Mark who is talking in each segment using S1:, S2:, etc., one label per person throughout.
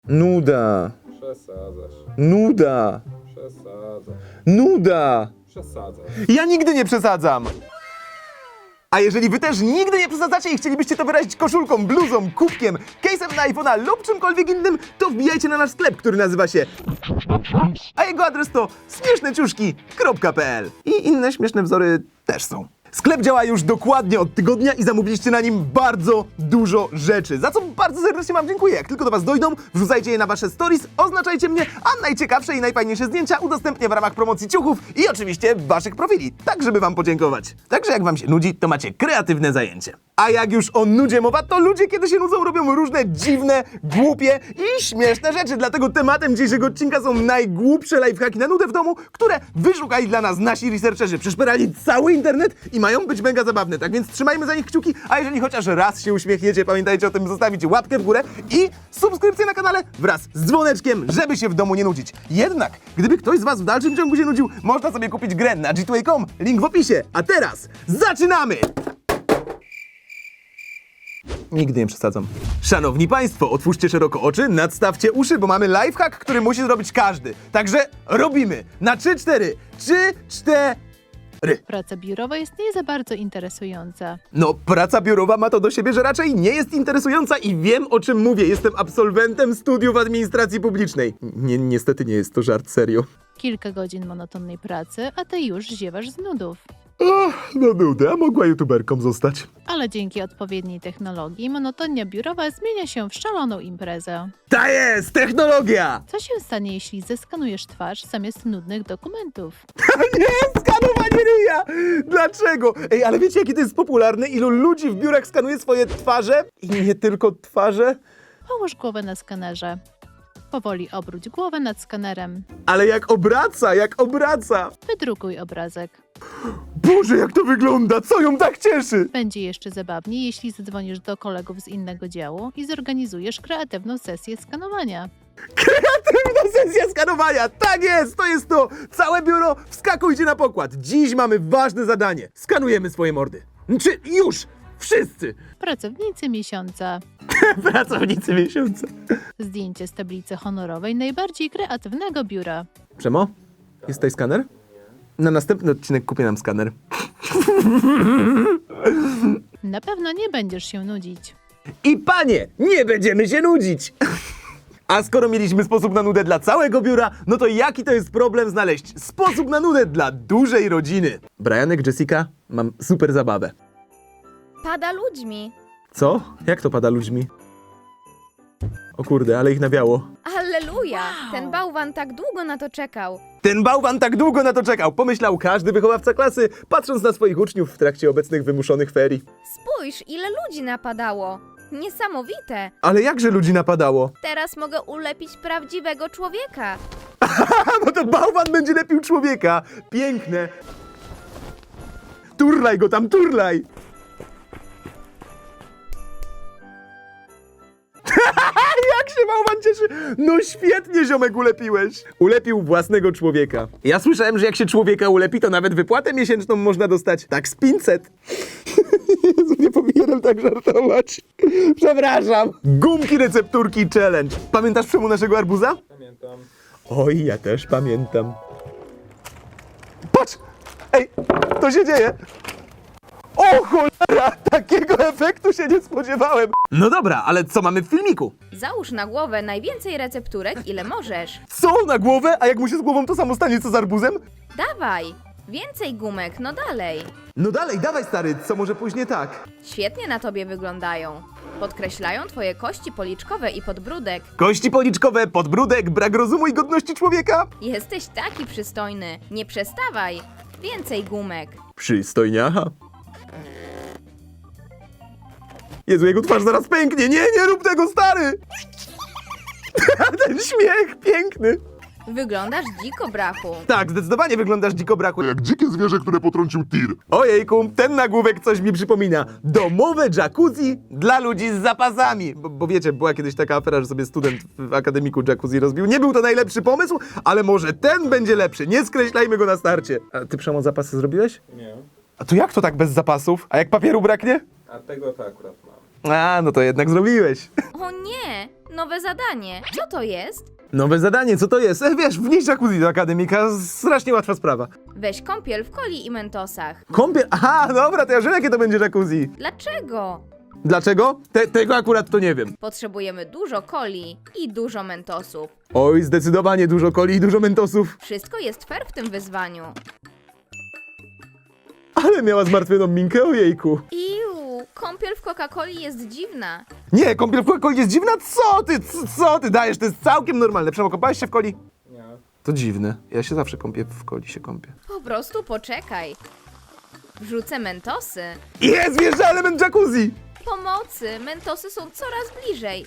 S1: Nuda.
S2: Przesadzasz.
S1: Nuda.
S2: Przesadzasz.
S1: Nuda.
S2: Przesadzasz.
S1: Ja nigdy nie przesadzam. A jeżeli wy też nigdy nie przesadzacie i chcielibyście to wyrazić koszulką, bluzą, kubkiem, case'em na iPhone'a lub czymkolwiek innym, to wbijajcie na nasz sklep, który nazywa się... A jego adres to śmieszneciuszki.pl. I inne śmieszne wzory też są. Sklep działa już dokładnie od tygodnia i zamówiliście na nim bardzo dużo rzeczy, za co bardzo serdecznie wam dziękuję. Jak tylko do was dojdą, wrzucajcie je na wasze stories, oznaczajcie mnie, a najciekawsze i najfajniejsze zdjęcia udostępnię w ramach promocji ciuchów i oczywiście waszych profili, tak żeby wam podziękować. Także jak wam się nudzi, to macie kreatywne zajęcie. A jak już o nudzie mowa, to ludzie kiedy się nudzą robią różne dziwne, głupie i śmieszne rzeczy. Dlatego tematem dzisiejszego odcinka są najgłupsze lifehacki na nudę w domu, które wyszukali dla nas nasi researcherzy. Przeszperali cały internet i mają być mega zabawne. Tak więc trzymajmy za nich kciuki, a jeżeli chociaż raz się uśmiechniecie, pamiętajcie o tym zostawić łapkę w górę i subskrypcję na kanale wraz z dzwoneczkiem, żeby się w domu nie nudzić. Jednak, gdyby ktoś z was w dalszym ciągu się nudził, można sobie kupić grę na g2a.com, link w opisie. A teraz zaczynamy! Nigdy nie przesadzam. Szanowni Państwo, otwórzcie szeroko oczy, nadstawcie uszy, bo mamy lifehack, który musi zrobić każdy. Także robimy na 3-4. 3-4.
S3: Praca biurowa jest nie za bardzo interesująca.
S1: No, praca biurowa ma to do siebie, że raczej nie jest interesująca i wiem, o czym mówię. Jestem absolwentem studiów administracji publicznej. Niestety nie jest to żart, serio.
S3: Kilka godzin monotonnej pracy, a ty już ziewasz z nudów.
S1: No nuda, mogła youtuberką zostać.
S3: Ale dzięki odpowiedniej technologii monotonia biurowa zmienia się w szaloną imprezę.
S1: Ta jest technologia!
S3: Co się stanie, jeśli zeskanujesz twarz zamiast nudnych dokumentów?
S1: Nie, skanowanie ryja! Dlaczego? Ej, ale wiecie, jakie to jest popularne? Ilu ludzi w biurach skanuje swoje twarze? I nie tylko twarze?
S3: Połóż głowę na skanerze. Powoli obróć głowę nad skanerem.
S1: Ale jak obraca!
S3: Wydrukuj obrazek.
S1: Boże, jak to wygląda! Co ją tak cieszy?
S3: Będzie jeszcze zabawniej, jeśli zadzwonisz do kolegów z innego działu i zorganizujesz kreatywną sesję skanowania.
S1: Kreatywna sesja skanowania! Tak jest, to jest to! Całe biuro, wskakujcie na pokład! Dziś mamy ważne zadanie. Skanujemy swoje mordy. Czy już? Wszyscy!
S3: Pracownicy miesiąca.
S1: Pracownicy miesiąca.
S3: Zdjęcie z tablicy honorowej najbardziej kreatywnego biura.
S1: Przemo? Jest tutaj skaner? Na następny odcinek kupię nam skaner.
S3: Na pewno nie będziesz się nudzić.
S1: I panie, nie będziemy się nudzić! A skoro mieliśmy sposób na nudę dla całego biura, no to jaki to jest problem znaleźć sposób na nudę dla dużej rodziny? Brianek, Jessica, mam super zabawę.
S4: Pada ludźmi.
S1: Co? Jak to pada ludźmi? O kurde, ale ich nawiało.
S4: Alleluja! Ten bałwan tak długo na to czekał.
S1: Ten bałwan tak długo na to czekał, pomyślał każdy wychowawca klasy, patrząc na swoich uczniów w trakcie obecnych wymuszonych ferii.
S4: Spójrz, ile ludzi napadało. Niesamowite.
S1: Ale jakże ludzi napadało?
S4: Teraz mogę ulepić prawdziwego człowieka.
S1: Bo to bałwan będzie lepił człowieka. Piękne. Turlaj go tam, turlaj. Jak się bałwan cieszy. No świetnie, ziomek, ulepiłeś. Ulepił własnego człowieka. Ja słyszałem, że jak się człowieka ulepi, to nawet wypłatę miesięczną można dostać. Tak z 500. Jezu, nie powinienem tak żartować. Przepraszam. Gumki recepturki challenge. Pamiętasz Przemu naszego arbuza?
S2: Pamiętam.
S1: Oj, ja też pamiętam. Patrz! Ej, to się dzieje! O cholera! Takiego efektu się nie spodziewałem! No dobra, ale co mamy w filmiku?
S4: Załóż na głowę najwięcej recepturek, ile możesz.
S1: Co na głowę? A jak mu się z głową to samo stanie co z arbuzem?
S4: Dawaj! Więcej gumek, no dalej.
S1: No dalej, dawaj stary, co może pójść nie tak?
S4: Świetnie na tobie wyglądają. Podkreślają twoje kości policzkowe i podbródek.
S1: Kości policzkowe, podbródek, brak rozumu i godności człowieka?
S4: Jesteś taki przystojny. Nie przestawaj. Więcej gumek.
S1: Przystojniacha. Jezu, jego twarz zaraz pęknie. Nie rób tego, stary! Ten śmiech piękny.
S4: Wyglądasz dziko, brachu.
S1: Tak, zdecydowanie wyglądasz dziko, brachu.
S5: Jak dzikie zwierzę, które potrącił tir.
S1: Ojejku, ten nagłówek coś mi przypomina. Domowe jacuzzi dla ludzi z zapasami. Bo wiecie, była kiedyś taka afera, że sobie student w akademiku jacuzzi rozbił. Nie był to najlepszy pomysł, ale może ten będzie lepszy. Nie skreślajmy go na starcie. A ty, Przemo, zapasy zrobiłeś?
S2: Nie.
S1: A to jak to tak bez zapasów? A jak papieru braknie?
S2: A tego to akurat mam.
S1: A, no to jednak zrobiłeś.
S4: O nie! Nowe zadanie. Co to jest?
S1: Nowe zadanie, co to jest? Wiesz, wnieść jacuzzi do akademika, strasznie łatwa sprawa.
S4: Weź kąpiel w coli i mentosach.
S1: Kąpiel, aha, dobra, to ja wiem, jakie to będzie jacuzzi.
S4: Dlaczego?
S1: Dlaczego? Tego akurat to nie wiem.
S4: Potrzebujemy dużo coli i dużo mentosów.
S1: Oj, zdecydowanie dużo coli i dużo mentosów.
S4: Wszystko jest fair w tym wyzwaniu.
S1: Ale miała zmartwioną minkę, ojejku.
S4: Iu, kąpiel w Coca-Coli jest dziwna.
S1: Nie, kąpiel w Coca-Coli jest dziwna? Co ty dajesz? To jest całkiem normalne. Przemo, kąpałeś się w coli?
S2: Nie.
S1: To dziwne. Ja się zawsze kąpię w coli, się kąpię.
S4: Po prostu poczekaj. Wrzucę mentosy.
S1: Jest, wjeżdża element jacuzzi!
S4: Pomocy, mentosy są coraz bliżej.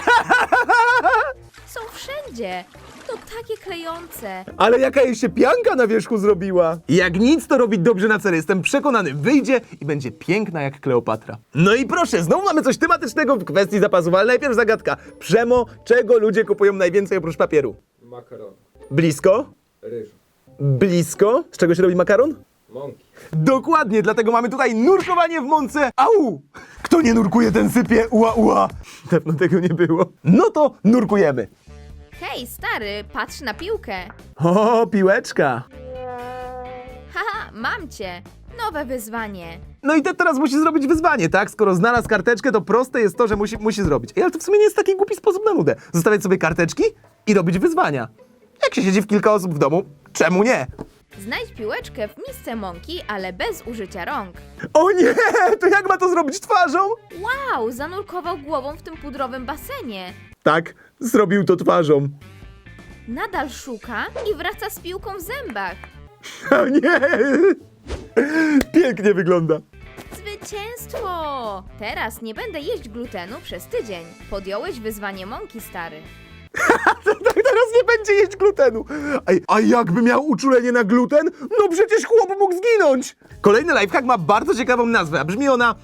S4: Są wszędzie. To takie klejące.
S1: Ale jaka jej się pianka na wierzchu zrobiła? Jak nic, to robi dobrze na cel. Jestem przekonany, wyjdzie i będzie piękna jak Kleopatra. No i proszę, znowu mamy coś tematycznego w kwestii zapasów, ale najpierw zagadka. Przemo, czego ludzie kupują najwięcej oprócz papieru?
S2: Makaron.
S1: Blisko?
S2: Ryż.
S1: Blisko? Z czego się robi makaron?
S2: Mąki.
S1: Dokładnie, dlatego mamy tutaj nurkowanie w mące. Au! Kto nie nurkuje, ten sypie. Ua, ua. Dawno tego nie było. No to nurkujemy.
S4: Hej, stary, patrz na piłkę.
S1: O, piłeczka.
S4: Haha, mam cię. Nowe wyzwanie.
S1: No i teraz musi zrobić wyzwanie, tak? Skoro znalazł karteczkę, to proste jest to, że musi zrobić. Ej, ale to w sumie nie jest taki głupi sposób na nudę. Zostawiać sobie karteczki i robić wyzwania. Jak się siedzi w kilka osób w domu, czemu nie?
S4: Znajdź piłeczkę w misce mąki, ale bez użycia rąk.
S1: O nie! To jak ma to zrobić twarzą?
S4: Wow, zanurkował głową w tym pudrowym basenie.
S1: Tak, zrobił to twarzą.
S4: Nadal szuka i wraca z piłką w zębach.
S1: O nie! Pięknie wygląda.
S4: Zwycięstwo! Teraz nie będę jeść glutenu przez tydzień. Podjąłeś wyzwanie mąki, stary.
S1: Tak, teraz nie będzie jeść glutenu. A jakby miał uczulenie na gluten? No przecież chłop mógł zginąć. Kolejny lifehack ma bardzo ciekawą nazwę, a brzmi ona...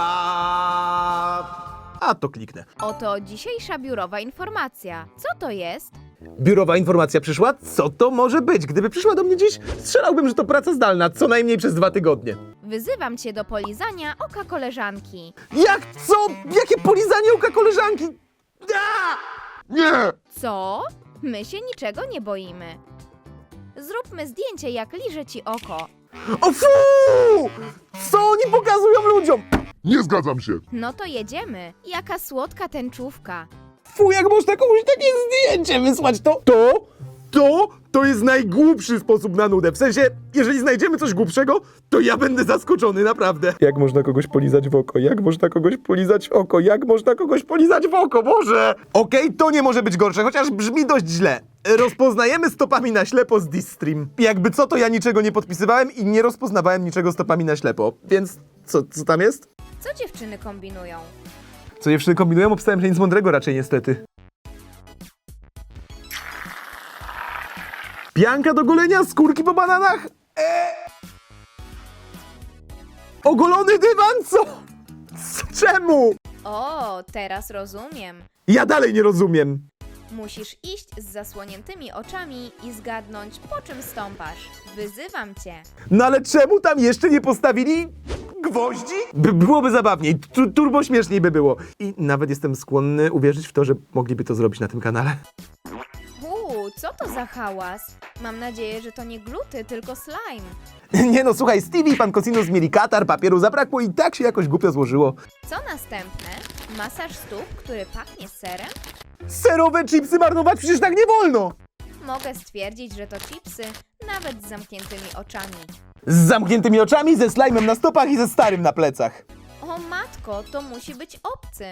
S1: A to kliknę.
S4: Oto dzisiejsza biurowa informacja. Co to jest?
S1: Biurowa informacja przyszła? Co to może być? Gdyby przyszła do mnie dziś, strzelałbym, że to praca zdalna, co najmniej przez 2 tygodnie.
S4: Wyzywam cię do polizania oka koleżanki.
S1: Jak co? Jakie polizanie oka koleżanki?
S5: Nie!
S4: Co? My się niczego nie boimy. Zróbmy zdjęcie, jak liże ci oko.
S1: O fu! Co oni pokazują ludziom?
S5: Nie zgadzam się.
S4: No to jedziemy. Jaka słodka tęczówka.
S1: Fu, jak można komuś takie zdjęcie wysłać, to jest najgłupszy sposób na nudę. W sensie, jeżeli znajdziemy coś głupszego, to ja będę zaskoczony, naprawdę. Jak można kogoś polizać w oko? Jak można kogoś polizać w oko? Jak można kogoś polizać w oko? Boże! Okej, to nie może być gorsze, chociaż brzmi dość źle. Rozpoznajemy stopami na ślepo z Distream. Jakby co, to ja niczego nie podpisywałem i nie rozpoznawałem niczego stopami na ślepo. Więc co tam jest?
S4: Co dziewczyny kombinują?
S1: Co dziewczyny kombinują? Obstałem, że nic mądrego raczej niestety. Pianka do golenia, skórki po bananach? Ogolony dywan? Co? Czemu?
S4: O, teraz rozumiem.
S1: Ja dalej nie rozumiem.
S4: Musisz iść z zasłoniętymi oczami i zgadnąć, po czym stąpasz. Wyzywam cię.
S1: No ale czemu tam jeszcze nie postawili gwoździ? Byłoby zabawniej, turbo śmieszniej by było. I nawet jestem skłonny uwierzyć w to, że mogliby to zrobić na tym kanale.
S4: Co to za hałas? Mam nadzieję, że to nie gluty, tylko slime.
S1: Nie no, słuchaj, Stevie i pan Cosinus mieli katar, papieru zabrakło i tak się jakoś głupio złożyło.
S4: Co następne? Masaż stóp, który pachnie serem?
S1: Serowe chipsy marnować? Przecież tak nie wolno!
S4: Mogę stwierdzić, że to chipsy, nawet z zamkniętymi oczami.
S1: Z zamkniętymi oczami, ze slajmem na stopach i ze starym na plecach.
S4: O matko, to musi być obcy.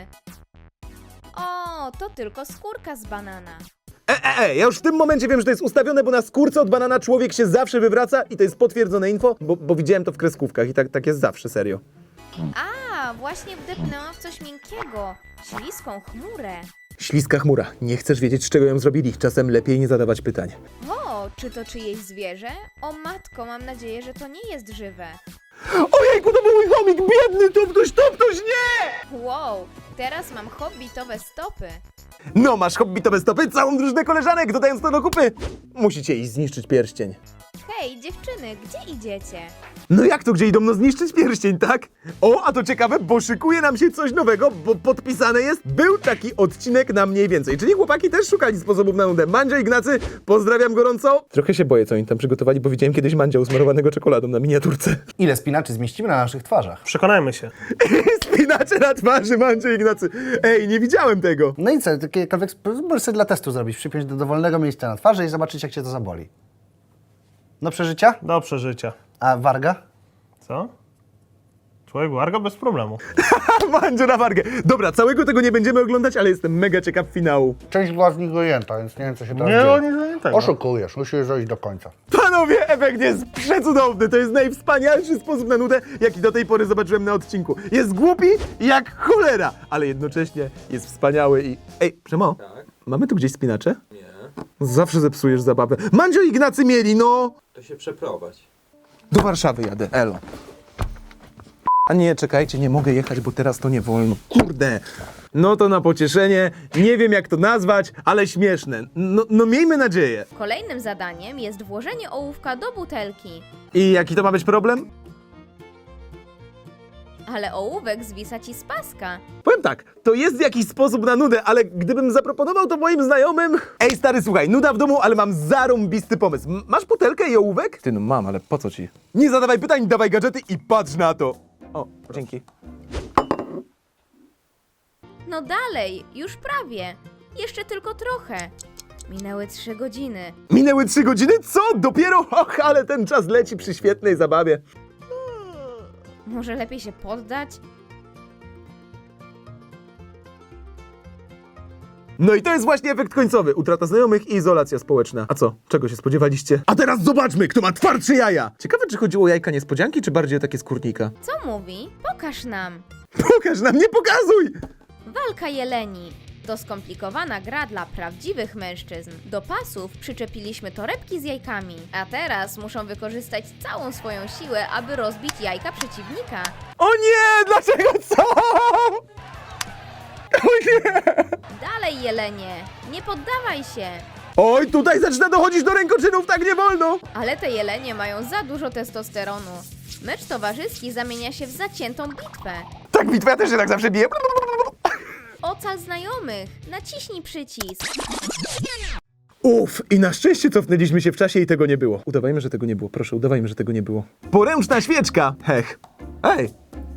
S4: O, to tylko skórka z banana.
S1: Ja już w tym momencie wiem, że to jest ustawione, bo na skórce od banana człowiek się zawsze wywraca i to jest potwierdzone info, bo widziałem to w kreskówkach i tak jest zawsze, serio.
S4: A, właśnie wdepnęłam w coś miękkiego. Śliską chmurę.
S1: Śliska chmura. Nie chcesz wiedzieć, z czego ją zrobili. Czasem lepiej nie zadawać pytań.
S4: O, czy to czyjeś zwierzę? O matko, mam nadzieję, że to nie jest żywe.
S1: Ojejku, to był mój chomik! Biedny, to ktoś, nie!
S4: Wow, teraz mam hobbitowe stopy.
S1: No, masz hobbitowe stopy, całą drużynę koleżanek, dodając to do kupy. Musicie iść zniszczyć pierścień.
S4: Hej, dziewczyny, gdzie idziecie?
S1: No jak to, gdzie idą? No zniszczyć pierścień, tak? O, a to ciekawe, bo szykuje nam się coś nowego, bo podpisane jest, był taki odcinek na mniej więcej. Czyli chłopaki też szukali sposobów na nudę. Mandzio, Ignacy, pozdrawiam gorąco. Trochę się boję, co oni tam przygotowali, bo widziałem kiedyś Mandzia usmarowanego czekoladą na miniaturce.
S6: Ile spinaczy zmieścimy na naszych twarzach?
S7: Przekonajmy się.
S1: Spinacze na twarzy, Mandzio, Ignacy. Ej, nie widziałem tego.
S6: No i co, jakiekolwiek możesz sobie dla testu zrobić, przypiąć do dowolnego miejsca na twarzy i zobaczyć, jak cię to zaboli. Do przeżycia?
S7: Do przeżycia.
S6: A warga?
S7: Co? Człowiek warga bez problemu.
S1: Mandzio na wargę. Dobra, całego tego nie będziemy oglądać, ale jestem mega ciekaw finału.
S6: Część była z nich dojęta, więc nie wiem, co się teraz
S7: Nie,
S6: dzieje.
S7: oni nie tego.
S6: Oszukujesz, musisz dojść do końca.
S1: Panowie, efekt jest przecudowny. To jest najwspanialszy sposób na nudę, jaki do tej pory zobaczyłem na odcinku. Jest głupi jak cholera, ale jednocześnie jest wspaniały i... Ej, Przemo,
S2: Tak?
S1: mamy tu gdzieś spinacze?
S2: Nie.
S1: Zawsze zepsujesz zabawę. Mandzio i Ignacy mieli, no!
S2: To się przeprowadź.
S1: Do Warszawy jadę, elo. A nie, czekajcie, nie mogę jechać, bo teraz to nie wolno. Kurde! No to na pocieszenie, nie wiem jak to nazwać, ale śmieszne. No miejmy nadzieję.
S4: Kolejnym zadaniem jest włożenie ołówka do butelki.
S1: I jaki to ma być problem?
S4: Ale ołówek zwisa ci z paska.
S1: Powiem tak, to jest jakiś sposób na nudę, ale gdybym zaproponował to moim znajomym... Ej stary, słuchaj, nuda w domu, ale mam zarąbisty pomysł. Masz butelkę i ołówek? Ty no mam, ale po co ci? Nie zadawaj pytań, dawaj gadżety i patrz na to. O, dzięki.
S4: No dalej, już prawie. Jeszcze tylko trochę. Minęły 3 godziny.
S1: Minęły 3 godziny? Co? Dopiero? Och, ale ten czas leci przy świetnej zabawie.
S4: Może lepiej się poddać?
S1: No i to jest właśnie efekt końcowy. Utrata znajomych i izolacja społeczna. A co? Czego się spodziewaliście? A teraz zobaczmy, kto ma twardsze jaja! Ciekawe, czy chodziło o jajka niespodzianki, czy bardziej o takie skórnika?
S4: Co mówi? Pokaż nam.
S1: Pokaż nam, nie pokazuj!
S4: Walka jeleni. To skomplikowana gra dla prawdziwych mężczyzn. Do pasów przyczepiliśmy torebki z jajkami, a teraz muszą wykorzystać całą swoją siłę, aby rozbić jajka przeciwnika.
S1: O nie! Dlaczego co? O nie!
S4: Dalej, jelenie! Nie poddawaj się!
S1: Oj, tutaj zaczyna dochodzić do rękoczynów, tak nie wolno!
S4: Ale te jelenie mają za dużo testosteronu. Mecz towarzyski zamienia się w zaciętą bitwę.
S1: Tak, bitwa też się tak zawsze bije.
S4: Ocal znajomych! Naciśnij przycisk!
S1: Uff, i na szczęście cofnęliśmy się w czasie i tego nie było. Udawajmy, że tego nie było. Proszę, udawajmy, że tego nie było. Poręczna świeczka! Hech. Ej!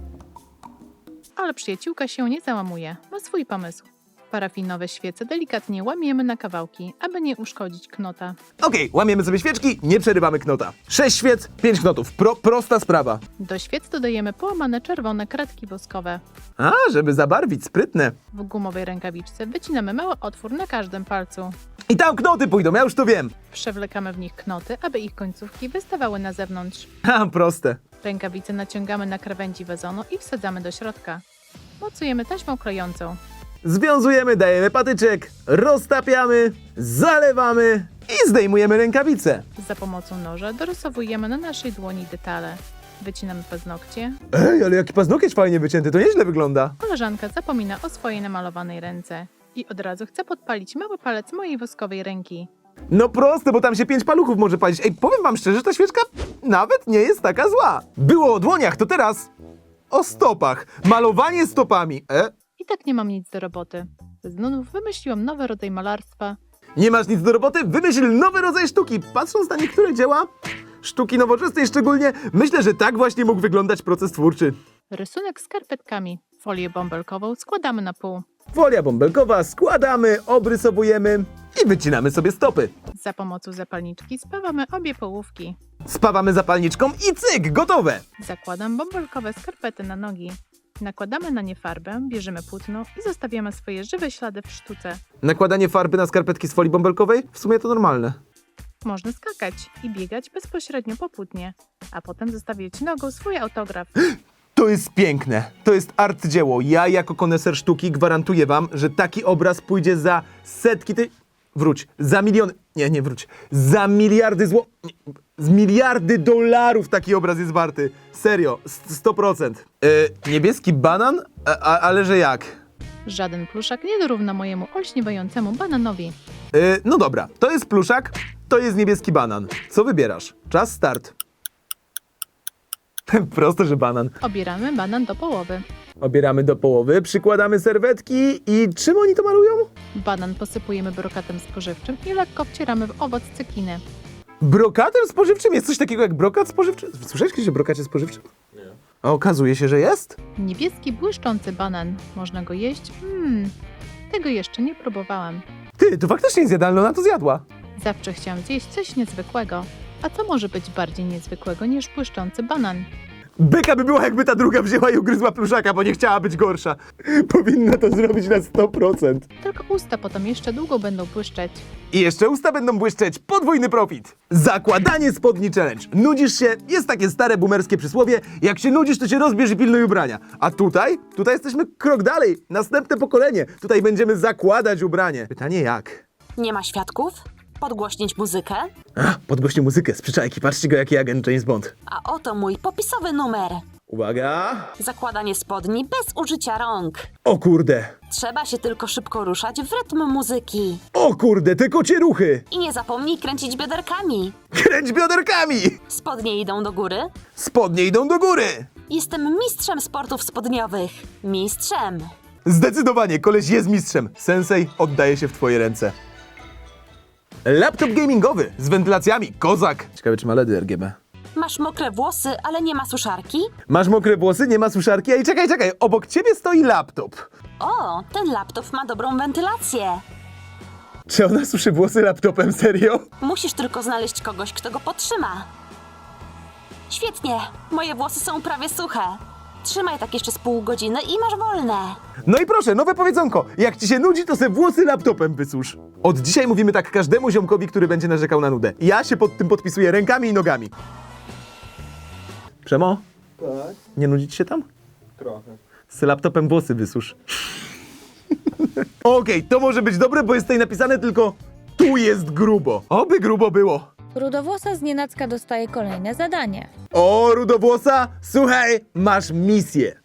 S3: Ale przyjaciółka się nie załamuje. Ma swój pomysł. Parafinowe świece delikatnie łamiemy na kawałki, aby nie uszkodzić knota.
S1: Okej, łamiemy sobie świeczki, nie przerywamy knota. 6 świec, 5 knotów. Prosta sprawa.
S3: Do świec dodajemy połamane czerwone kratki woskowe.
S1: A, żeby zabarwić, sprytne.
S3: W gumowej rękawiczce wycinamy mały otwór na każdym palcu.
S1: I tam knoty pójdą, ja już to wiem.
S3: Przewlekamy w nich knoty, aby ich końcówki wystawały na zewnątrz.
S1: Ha, proste.
S3: Rękawice naciągamy na krawędzi wazonu i wsadzamy do środka. Mocujemy taśmą klejącą.
S1: Związujemy, dajemy patyczek, roztapiamy, zalewamy i zdejmujemy rękawice.
S3: Za pomocą noża dorysowujemy na naszej dłoni detale. Wycinamy paznokcie.
S1: Ej, ale jaki paznokieć fajnie wycięty, to nieźle wygląda.
S3: Koleżanka zapomina o swojej namalowanej ręce. I od razu chce podpalić mały palec mojej woskowej ręki.
S1: No proste, bo tam się 5 paluchów może palić. Ej, powiem wam szczerze, że ta świeczka nawet nie jest taka zła. Było o dłoniach, to teraz o stopach. Malowanie stopami.
S3: I tak nie mam nic do roboty. Z nudów wymyśliłam nowy rodzaj malarstwa.
S1: Nie masz nic do roboty? Wymyśl nowy rodzaj sztuki. Patrząc na niektóre dzieła, sztuki nowoczesnej szczególnie, myślę, że tak właśnie mógł wyglądać proces twórczy.
S3: Rysunek z skarpetkami. Folię bąbelkową składamy na pół.
S1: Folia bąbelkowa, składamy, obrysowujemy i wycinamy sobie stopy.
S3: Za pomocą zapalniczki spawamy obie połówki.
S1: Spawamy zapalniczką i cyk, gotowe!
S3: Zakładam bąbelkowe skarpety na nogi. Nakładamy na nie farbę, bierzemy płótno i zostawiamy swoje żywe ślady w sztuce.
S1: Nakładanie farby na skarpetki z folii bąbelkowej? W sumie to normalne.
S3: Można skakać i biegać bezpośrednio po płótnie, a potem zostawiać nogą swój autograf.
S1: To jest piękne. To jest arcydzieło. Ja jako koneser sztuki gwarantuję wam, że taki obraz pójdzie za setki Wróć. Za miliony... Nie wróć. Za miliardy z miliardy dolarów taki obraz jest warty. Serio. 100%. Niebieski banan? Ale że jak?
S3: Żaden pluszak nie dorówna mojemu olśniewającemu bananowi.
S1: No dobra. To jest pluszak. to jest niebieski banan. Co wybierasz? Czas start. Proste, że banan.
S3: Obieramy banan do połowy.
S1: Obieramy do połowy, przykładamy serwetki i czym oni to malują?
S3: Banan posypujemy brokatem spożywczym i lekko wcieramy w owoc cekiny.
S1: Brokatem spożywczym? Jest coś takiego jak brokat spożywczy? Słyszałeś kiedyś o brokacie spożywczym?
S2: Nie.
S1: A okazuje się, że jest?
S3: Niebieski, błyszczący banan. Można go jeść? Tego jeszcze nie próbowałam.
S1: Ty, to faktycznie jest jadalne, ona to zjadła.
S3: Zawsze chciałam zjeść coś niezwykłego. A co może być bardziej niezwykłego niż błyszczący banan?
S1: Beka by była, jakby ta druga wzięła i ugryzła pluszaka, bo nie chciała być gorsza. Powinna to zrobić na 100%.
S3: Tylko usta potem jeszcze długo będą błyszczeć.
S1: I jeszcze usta będą błyszczeć. Podwójny profit. Zakładanie spodni challenge. Nudzisz się? Jest takie stare boomerskie przysłowie. Jak się nudzisz, to się rozbierz i pilnuj ubrania. A tutaj jesteśmy krok dalej. Następne pokolenie. Tutaj będziemy zakładać ubranie. Pytanie jak?
S8: Nie ma świadków? Podgłośnić muzykę?
S1: Podgłośnie muzykę z przyczajki. Patrzcie go, jaki agent James Bond.
S8: A oto mój popisowy numer.
S1: Uwaga.
S8: Zakładanie spodni bez użycia rąk.
S1: O kurde.
S8: Trzeba się tylko szybko ruszać w rytm muzyki.
S1: O kurde, te kocie ruchy.
S8: I nie zapomnij kręcić bioderkami.
S1: Kręć bioderkami.
S8: Spodnie idą do góry.
S1: Spodnie idą do góry.
S8: Jestem mistrzem sportów spodniowych. Mistrzem.
S1: Zdecydowanie, koleś jest mistrzem. Sensei oddaje się w twoje ręce. Laptop gamingowy z wentylacjami. Kozak. Ciekawe, czy ma LEDy RGB.
S8: Masz mokre włosy, ale nie ma suszarki?
S1: Masz mokre włosy, nie ma suszarki. Ej, czekaj. Obok ciebie stoi laptop.
S8: O, ten laptop ma dobrą wentylację.
S1: Czy ona suszy włosy laptopem, serio?
S8: Musisz tylko znaleźć kogoś, kto go podtrzyma. Świetnie, moje włosy są prawie suche. Trzymaj tak jeszcze z pół godziny i masz wolne.
S1: No i proszę, nowe powiedzonko. Jak ci się nudzi, to se włosy laptopem wysusz. Od dzisiaj mówimy tak każdemu ziomkowi, który będzie narzekał na nudę. Ja się pod tym podpisuję rękami i nogami. Przemo?
S2: Tak,
S1: Nie nudzić się tam?
S2: trochę.
S1: Z laptopem włosy wysusz. Okej, to może być dobre, bo jest tutaj napisane tylko tu jest grubo. Oby grubo było.
S9: Rudowłosa znienacka dostaje kolejne zadanie.
S1: O, rudowłosa, słuchaj, masz misję.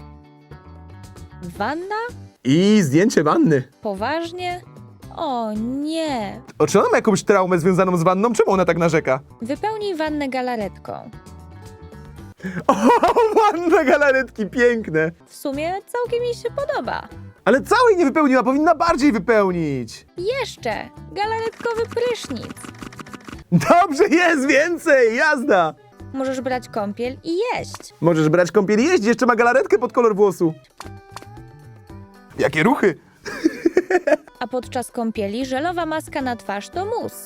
S9: Wanna?
S1: I zdjęcie wanny.
S9: Poważnie? O nie!
S1: O, czy ona ma jakąś traumę związaną z wanną? Czemu ona tak narzeka?
S9: Wypełnij wannę galaretką.
S1: O, wanna galaretki, piękne.
S9: W sumie całkiem mi się podoba.
S1: Ale całej nie wypełniła, powinna bardziej wypełnić.
S9: Jeszcze! Galaretkowy prysznic.
S1: Dobrze, jest więcej, jazda.
S9: Możesz brać kąpiel i jeść.
S1: Możesz brać kąpiel i jeść, jeszcze ma galaretkę pod kolor włosu. Jakie ruchy.
S9: A podczas kąpieli żelowa maska na twarz to mus.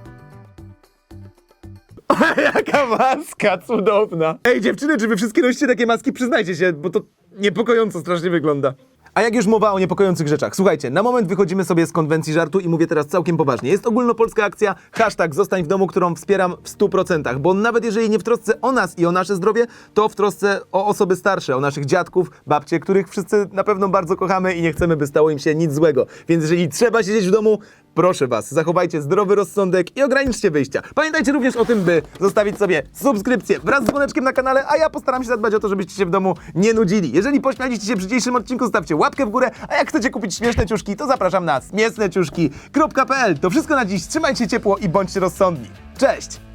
S1: Jaka maska cudowna. Ej, dziewczyny, czy wy wszystkie nosicie takie maski? Przyznajcie się, bo to niepokojąco strasznie wygląda. A jak już mowa o niepokojących rzeczach, słuchajcie, na moment wychodzimy sobie z konwencji żartu i mówię teraz całkiem poważnie. Jest ogólnopolska akcja #Zostań w domu, którą wspieram w 100%, bo nawet jeżeli nie w trosce o nas i o nasze zdrowie, to w trosce o osoby starsze, o naszych dziadków, babcie, których wszyscy na pewno bardzo kochamy i nie chcemy, by stało im się nic złego. Więc jeżeli trzeba siedzieć w domu, proszę was, zachowajcie zdrowy rozsądek i ograniczcie wyjścia. Pamiętajcie również o tym, by zostawić sobie subskrypcję wraz z dzwoneczkiem na kanale, a ja postaram się zadbać o to, żebyście się w domu nie nudzili. Jeżeli pośmialiście się przy dzisiejszym odcinku, stawcie łapkę w górę, a jak chcecie kupić śmieszne ciuszki, to zapraszam na śmieszneciuszki.pl. To wszystko na dziś, trzymajcie się ciepło i bądźcie rozsądni. Cześć!